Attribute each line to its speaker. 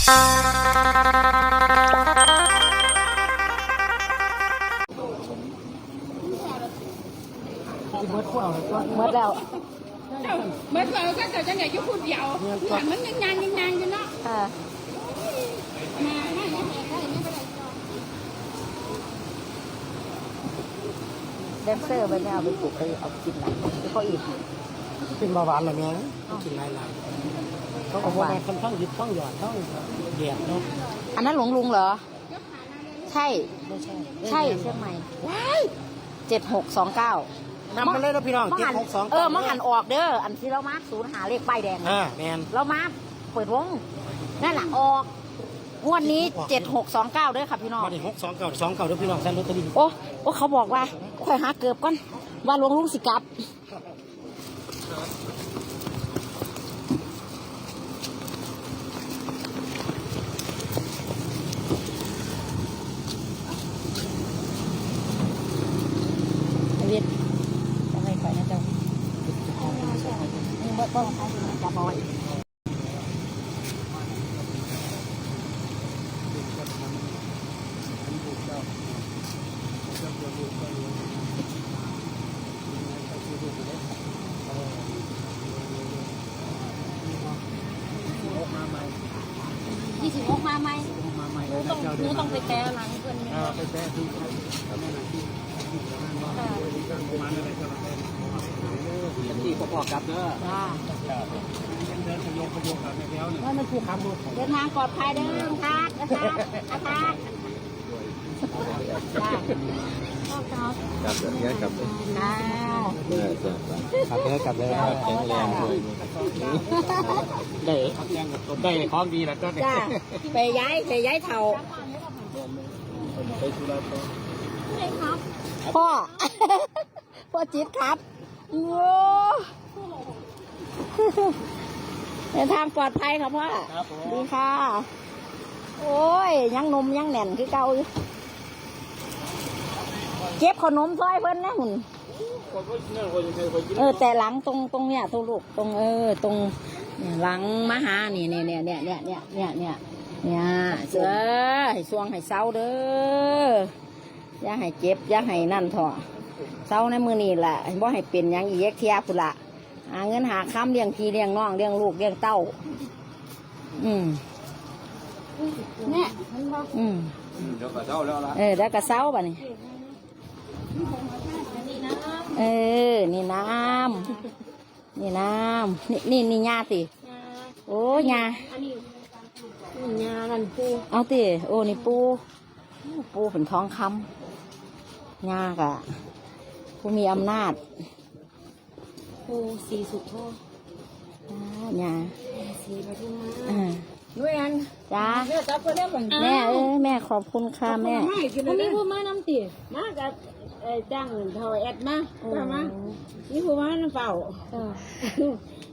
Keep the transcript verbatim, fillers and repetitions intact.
Speaker 1: เบิดพวก
Speaker 2: เบิดแล้ว
Speaker 3: เบิดแล้วก็จะเนี่ยอยู่คนเดียวมันยังยังยังยังอยู่เนาะมาไม่ไม่ไม่ไม่ไม่เป็นไร
Speaker 2: แดนเซอร์ไปเนี่ยเอาไปปลูกไปเอากินหลังที่เขาอีก
Speaker 1: เป็นเบาหวานอะไรเงี้ยกินหลายหลายเขาบอกว่าค่อนข้างยึดต้องหยอดต้องเดียดเนาะ
Speaker 2: อันนั้นหลวงลุงเหรอใช่ใช่เชียงใหม่ว้ายเจ็ดหกสองเก้านำ
Speaker 1: ไปเลยนะพี่น้องเจ็ดหกสอง
Speaker 2: เออมันหันออกเด้ออันที่เรามาศูนย์หาเลขป้ายแดง
Speaker 1: อ่าแมน
Speaker 2: เรามาเปิดวงนั่นแหละออกงวดนี้เจ็ดหกสองเก้าด้วยค่ะพี่น้อง
Speaker 1: มาดิหกสองเก้าสองเก้าด้วยพี่น้องแซนลอตเตอรี่
Speaker 2: โอ้โอ้เขาบอกว่าค่อยหาเกือบก่อนว่าหลวงลุงสิกลับเวียดอะไรข่อยนะเจ้านี่บ่ต้องจับเอาไว้ยี่สิบหกมาไหมหนูต้องหนูต้องไปแก้หลังเพื่อนเนี่ย
Speaker 1: ไปแก้ที่ที่ประกอบกับเด้อ
Speaker 2: จ้า
Speaker 1: เดินขยงขยงแบบนี้แล้วเนี่ยว่ามันคือคำดู
Speaker 2: เดินทางปลอดภัยเด้อลุงทักนะครับนะครับ
Speaker 4: กลับเนี้ยกลับเลยกลับเลยกลับเลยแข็งแรงเลย
Speaker 1: ได้ได้ของดีแล้วก็
Speaker 2: จ้าไปย้ายไปย้ายเท่า
Speaker 4: ไปธุระต่อ
Speaker 2: พ่อพ่อจิ๊บครับโอ้เดินทางปลอดภัยครับพ่อดีค่ะโอ้ยยังนมยังแน่นคือเก่าอยู่เก็บขนมซอยเพิ่นนะหุ่นเออแต่หลังตรงตรงเนี้ยตรงลูกตรงเออตรงหลังมหานี่เนี่ยเนี่ยเนี่ยเนี่ยเนี่ยเนี่ยเนี่ยเนี่ยเสือให้ซวงให้เศร้าเด้ออย่าให้เจ็บอย่าให้นั่นเถอะเศร้าในมือนี่แหละบ่ให้เป็นยังอีกเทียพุ่นละหาเงินหาค้ำเลี้ยงพี่เลี้ยงน้องเลี้ยงลูกเลี้ยงเต้าอืมเนี่ยอืม
Speaker 4: เดี๋ยวก็เศร้าแล้วล่ะ
Speaker 2: เออแล้วก็เศร้าป่ะนี่เออนี่น้ำนี่น้ำนี่นี่นี่ยาติโอ้ยา
Speaker 3: ยากันปู
Speaker 2: เอาติโอ้นี่ปูปูเป็นทองคำยากะผู้มีอำนาจ
Speaker 3: ปูสีสุดโทษ
Speaker 2: ยา
Speaker 3: สีปทุม
Speaker 2: มา
Speaker 3: ด้วยกัน
Speaker 2: จ้า
Speaker 3: แม่จับคนได้เหมือน
Speaker 2: แม่เออแม่ขอบคุณค่ะแม่
Speaker 3: เขามีผู้มาน้ำตีมากับจ้างเงินเท่าแอดมาจ้ามานี่ผู้มาน้ำเปล่า